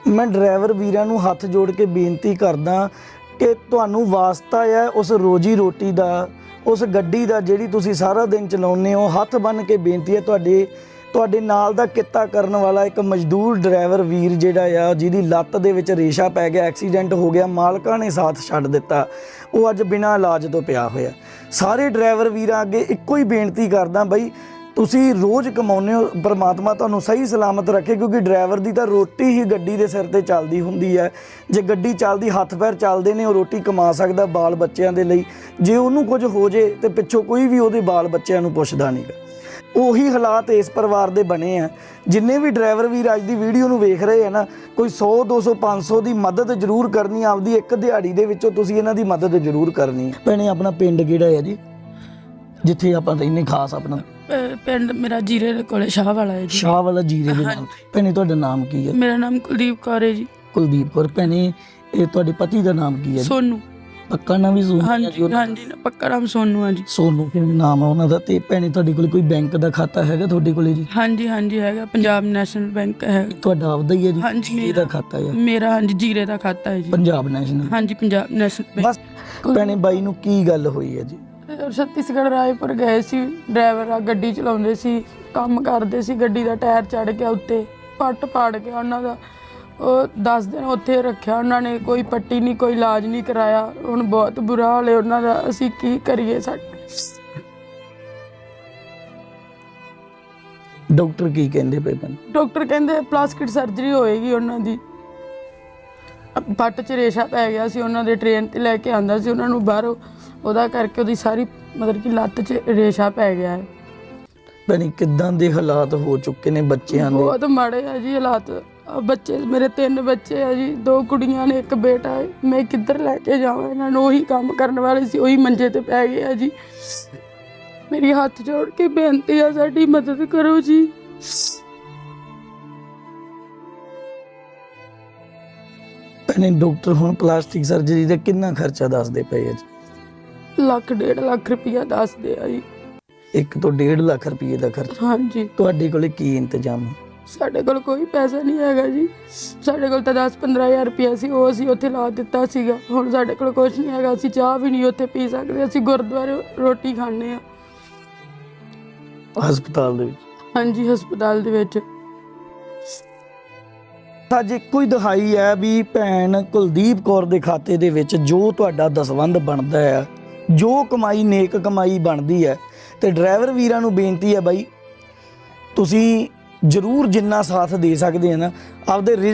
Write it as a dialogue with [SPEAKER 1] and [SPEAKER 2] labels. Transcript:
[SPEAKER 1] मैं ड्राइवर वीरां नूं हत्थ जोड़ के बेनती करदा कि तुहानूं वास्ता है उस रोजी रोटी दा, उस गड्डी दा जिहड़ी तुसीं सारा दिन चलाउने हो। हत्थ बन के बेनती है ਤੁਹਾਡੇ ਨਾਲ ਦਾ ਕਿੱਤਾ ਕਰਨ ਵਾਲਾ ਇੱਕ ਮਜ਼ਦੂਰ ਡਰਾਈਵਰ ਵੀਰ ਜਿਹੜਾ ਆ ਜਿਹਦੀ ਲੱਤ ਦੇ ਵਿੱਚ ਰੇਸ਼ਾ ਪੈ ਗਿਆ, ਐਕਸੀਡੈਂਟ ਹੋ ਗਿਆ, ਮਾਲਕਾਂ ਨੇ ਸਾਥ ਛੱਡ ਦਿੱਤਾ, ਉਹ ਅੱਜ ਬਿਨਾਂ ਇਲਾਜ ਤੋਂ ਪਿਆ ਹੋਇਆ। ਸਾਰੇ ਡਰਾਈਵਰ ਵੀਰਾਂ ਅੱਗੇ ਇੱਕੋ ਹੀ ਬੇਨਤੀ ਕਰਦਾ ਬਈ, ਤੁਸੀਂ ਰੋਜ਼ ਕਮਾਉਂਦੇ ਹੋ, ਪਰਮਾਤਮਾ ਤੁਹਾਨੂੰ ਸਹੀ ਸਲਾਮਤ ਰੱਖੇ, ਕਿਉਂਕਿ ਡਰਾਈਵਰ ਦੀ ਤਾਂ ਰੋਟੀ ਹੀ ਗੱਡੀ ਦੇ ਸਿਰ ਤੇ ਚੱਲਦੀ ਹੁੰਦੀ ਹੈ। ਜੇ ਗੱਡੀ ਚੱਲਦੀ, ਹੱਥ ਪੈਰ ਚੱਲਦੇ ਨੇ, ਉਹ ਰੋਟੀ ਕਮਾ ਸਕਦਾ ਬਾਲ ਬੱਚਿਆਂ ਦੇ ਲਈ। ਜੇ ਉਹਨੂੰ ਕੁਝ ਹੋ ਜੇ ਤੇ ਪਿੱਛੋਂ ਕੋਈ ਵੀ ਉਹਦੇ ਬਾਲ ਬੱਚਿਆਂ ਨੂੰ ਪੁੱਛਦਾ ਨਹੀਂ ਗਾ। ਉਹੀ ਹਾਲਾਤ ਇਸ ਪਰਿਵਾਰ ਦੇ ਬਣੇ ਆ। ਜਿੰਨੇ ਵੀ ਡਰਾਈਵਰ ਵੀਰ ਅੱਜ ਦੀ ਵੀਡੀਓ ਨੂੰ ਵੇਖ ਰਹੇ ਆ ਨਾ, ਕੋਈ 100 200 500 ਦੀ ਮਦਦ ਜ਼ਰੂਰ ਕਰਨੀ, ਆਪਦੀ ਇੱਕ ਦਿਹਾੜੀ ਦੇ ਵਿੱਚੋਂ ਤੁਸੀਂ ਇਹਨਾਂ ਦੀ ਮਦਦ ਜ਼ਰੂਰ ਕਰਨੀ ਹੈ। ਭੈਣੇ ਆਪਣਾ ਪਿੰਡ ਕਿਹੜਾ ਹੈ ਜੀ, ਜਿੱਥੇ ਆਪਾਂ ਰਹਿੰਦੇ ਖਾਸ? ਆਪਣਾ
[SPEAKER 2] ਪਿੰਡ ਮੇਰਾ ਜੀਰੇ ਦੇ ਕੋਲੇ ਸ਼ਾਹ ਵਾਲਾ ਹੈ ਜੀ।
[SPEAKER 1] ਸ਼ਾਹ ਵਾਲਾ ਜੀਰੇ ਦੇ ਨਾਮ। ਭੈਣੇ ਤੁਹਾਡਾ ਨਾਮ ਕੀ ਹੈ?
[SPEAKER 2] ਮੇਰਾ ਨਾਮ ਕੁਲਦੀਪ ਕੌਰ ਹੈ ਜੀ।
[SPEAKER 1] ਕੁਲਦੀਪ ਕੌਰ। ਭੈਣੇ ਇਹ ਤੁਹਾਡੇ ਪਤੀ ਦਾ ਨਾਮ ਕੀ ਹੈ?
[SPEAKER 2] ਸੋਨੂ।
[SPEAKER 1] ਪੱਕਾ ਨਾਮ ਵੀ ਸੋਨੂ?
[SPEAKER 2] ਹਾਂਜੀ ਹਾਂਜੀ, ਪੱਕਾ ਨਾਮ ਸੋਨੂ ਆ ਜੀ।
[SPEAKER 1] ਸੋਨੂ ਨਾਮ ਆ ਉਹਨਾਂ ਦਾ। ਤੇ ਭੈਣੇ ਤੁਹਾਡੇ ਕੋਲ ਕੋਈ ਬੈਂਕ ਦਾ ਖਾਤਾ ਹੈਗਾ ਤੁਹਾਡੇ ਕੋਲੇ ਜੀ?
[SPEAKER 2] ਹਾਂਜੀ ਹਾਂਜੀ ਹੈਗਾ, ਪੰਜਾਬ ਨੈਸ਼ਨਲ ਬੈਂਕ ਹੈ।
[SPEAKER 1] ਤੁਹਾਡਾ ਆਪਦਾ ਹੀ ਹੈ ਜੀ?
[SPEAKER 2] ਹਾਂਜੀ
[SPEAKER 1] ਇਹਦਾ ਖਾਤਾ ਹੈ
[SPEAKER 2] ਮੇਰਾ। ਹਾਂਜੀ ਜੀਰੇ ਦਾ ਖਾਤਾ ਹੈ ਜੀ।
[SPEAKER 1] ਪੰਜਾਬ ਨੈਸ਼ਨਲ?
[SPEAKER 2] ਹਾਂਜੀ ਪੰਜਾਬ ਨੈਸ਼ਨਲ ਬੈਂਕ।
[SPEAKER 1] ਬਸ ਭੈਣੇ ਬਾਈ ਨੂੰ ਕੀ ਗੱਲ ਹੋਈ ਹੈ ਜੀ?
[SPEAKER 2] ਛੱਤੀਸਗੜ੍ਹ ਰਾਏਪੁਰ ਗਏ ਸੀ, ਡਰਾਈਵਰ ਆ, ਗੱਡੀ ਚਲਾਉਂਦੇ ਸੀ, ਕੰਮ ਕਰਦੇ ਸੀ, ਗੱਡੀ ਦਾ ਟਾਇਰ ਚੜ੍ਹ ਗਿਆ ਉੱਤੇ, ਪੱਟ ਪਾੜ ਗਿਆ ਉਹਨਾਂ ਦਾ। ਉਹ 10 ਦਿਨ ਉੱਥੇ ਰੱਖਿਆ ਉਹਨਾਂ ਨੇ, ਕੋਈ ਪੱਟੀ ਨਹੀਂ, ਕੋਈ ਇਲਾਜ ਨਹੀਂ ਕਰਾਇਆ। ਹੁਣ ਬਹੁਤ ਬੁਰਾ ਹਾਲ ਹੈ ਉਹਨਾਂ ਦਾ, ਅਸੀਂ ਕੀ ਕਰੀਏ?
[SPEAKER 1] ਡਾਕਟਰ ਕੀ ਕਹਿੰਦੇ ਪਏ?
[SPEAKER 2] ਡਾਕਟਰ ਕਹਿੰਦੇ ਪਲਾਸਟਿਕ ਸਰਜਰੀ ਹੋਏਗੀ ਉਹਨਾਂ ਦੀ। ਪੱਟ 'ਚ ਰੇਸ਼ਾ ਪੈ ਗਿਆ ਸੀ, ਉਹਨਾਂ ਦੇ ਟ੍ਰੇਨ 'ਤੇ ਲੈ ਕੇ ਆਉਂਦਾ ਸੀ ਉਹਨਾਂ ਨੂੰ ਬਾਹਰੋਂ, ਉਹਦਾ ਕਰਕੇ ਉਹਦੀ ਸਾਰੀ ਮਤਲਬ ਕਿ ਲੱਤ 'ਚ ਰੇਸ਼ਾ ਪੈ ਗਿਆ ਹੈ।
[SPEAKER 1] ਭੈਣੇ ਕਿੱਦਾਂ ਦੇ ਹਾਲਾਤ ਹੋ ਚੁੱਕੇ ਨੇ ਬੱਚਿਆਂ ਦੇ?
[SPEAKER 2] ਬਹੁਤ ਮਾੜੇ ਆ ਜੀ ਹਾਲਾਤ। ਬੱਚੇ ਮੇਰੇ 3 ਬੱਚੇ ਆ ਜੀ, 2 ਕੁੜੀਆਂ ਨੇ, 1 ਬੇਟਾ ਹੈ। ਮੈਂ ਕਿੱਧਰ ਲੈ ਕੇ ਜਾਵਾਂ ਇਹਨਾਂ ਨੂੰ? ਉਹੀ ਕੰਮ ਕਰਨ ਵਾਲੇ ਸੀ, ਉਹੀ ਮੰਜੇ ਤੇ ਪੈ ਗਏ ਆ ਜੀ। ਮੇਰੀ ਹੱਥ ਜੋੜ ਕੇ ਬੇਨਤੀ ਆ, ਸਾਡੀ ਮਦਦ ਕਰੋ ਜੀ।
[SPEAKER 1] ਭੈਣੇ ਡਾਕਟਰ ਹੁਣ ਪਲਾਸਟਿਕ ਸਰਜਰੀ ਦਾ ਕਿੰਨਾ ਖਰਚਾ ਦੱਸਦੇ ਪਏ ਆ ਜੀ?
[SPEAKER 2] 1 1.5 ਲੱਖ ਰੁਪਇਆ ਦੱਸਦੇ ਆ ਜੀ।
[SPEAKER 1] 1 ਤੋਂ 1.5 ਲੱਖ ਰੁਪਏ ਦਾ ਖਰਚਾ?
[SPEAKER 2] ਹਾਂਜੀ।
[SPEAKER 1] ਤੁਹਾਡੇ ਕੋਲੇ ਕੀ ਇੰਤਜ਼ਾਮ?
[SPEAKER 2] ਸਾਡੇ ਕੋਲ ਕੋਈ ਪੈਸਾ ਨਹੀਂ ਹੈਗਾ ਜੀ। ਸਾਡੇ ਕੋਲ ਤਾਂ 10-15 ਹਜ਼ਾਰ ਰੁਪਇਆ ਸੀ, ਉਹ ਅਸੀਂ ਉੱਥੇ ਲਾ ਦਿੱਤਾ ਸੀਗਾ। ਹੁਣ ਸਾਡੇ ਕੋਲ ਕੁਛ ਨਹੀਂ ਹੈਗਾ, ਅਸੀਂ ਚਾਹ ਵੀ ਨਹੀਂ ਉੱਥੇ ਪੀ ਸਕਦੇ, ਅਸੀਂ ਗੁਰਦੁਆਰੇ ਰੋਟੀ ਖਾਂਦੇ ਹਾਂ।
[SPEAKER 1] ਹਸਪਤਾਲ ਦੇ ਵਿੱਚ?
[SPEAKER 2] ਹਾਂਜੀ ਹਸਪਤਾਲ ਦੇ ਵਿੱਚ।
[SPEAKER 1] ਅੱਜ ਇੱਕੋ ਹੀ ਦਿਖਾਈ ਹੈ ਵੀ ਭੈਣ ਕੁਲਦੀਪ ਕੌਰ ਦੇ ਖਾਤੇ ਦੇ ਵਿੱਚ ਜੋ ਤੁਹਾਡਾ ਦਸਵੰਧ ਬਣਦਾ ਹੈ, ਜੋ ਕਮਾਈ ਨੇਕ ਕਮਾਈ ਬਣਦੀ ਹੈ, ਤੇ ਡਰਾਈਵਰ ਵੀਰਾਂ ਨੂੰ ਬੇਨਤੀ ਹੈ ਬਾਈ, ਤੁਸੀਂ ਜ਼ਰੂਰ ਜਿੰਨਾ ਸਾਥ ਦੇ ਸਕਦੇ ਆ ਨਾ ਆਪਦੇ